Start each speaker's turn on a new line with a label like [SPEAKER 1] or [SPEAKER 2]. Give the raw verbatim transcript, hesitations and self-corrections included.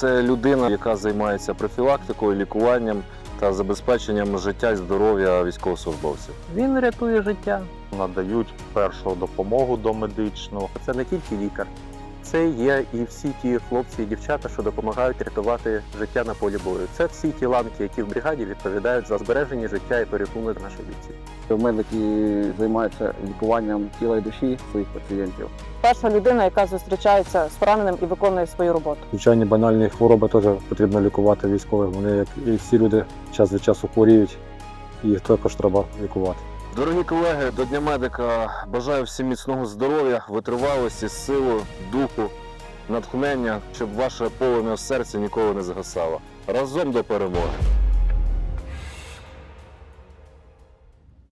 [SPEAKER 1] це людина, яка займається профілактикою, лікуванням та забезпеченням життя і здоров'я військовослужбовців.
[SPEAKER 2] Він рятує життя.
[SPEAKER 3] Надають першу допомогу домедичну.
[SPEAKER 4] Це не тільки лікар, це є і всі ті хлопці і дівчата, що допомагають рятувати життя на полі бою. Це всі ті ланки, які в бригаді відповідають за збереження життя і порятунок наших бійців.
[SPEAKER 5] Медики займаються лікуванням тіла і душі своїх пацієнтів.
[SPEAKER 6] Перша людина, яка зустрічається з пораненим і виконує свою роботу.
[SPEAKER 7] Звичайні банальні хвороби теж потрібно лікувати військових. Вони, як і всі люди, час від часу хворіють, і їх також треба лікувати.
[SPEAKER 1] Дорогі колеги, до Дня медика бажаю всім міцного здоров'я, витривалості, сили, духу, натхнення, щоб ваше полум'я в серці ніколи не згасало. Разом до перемоги!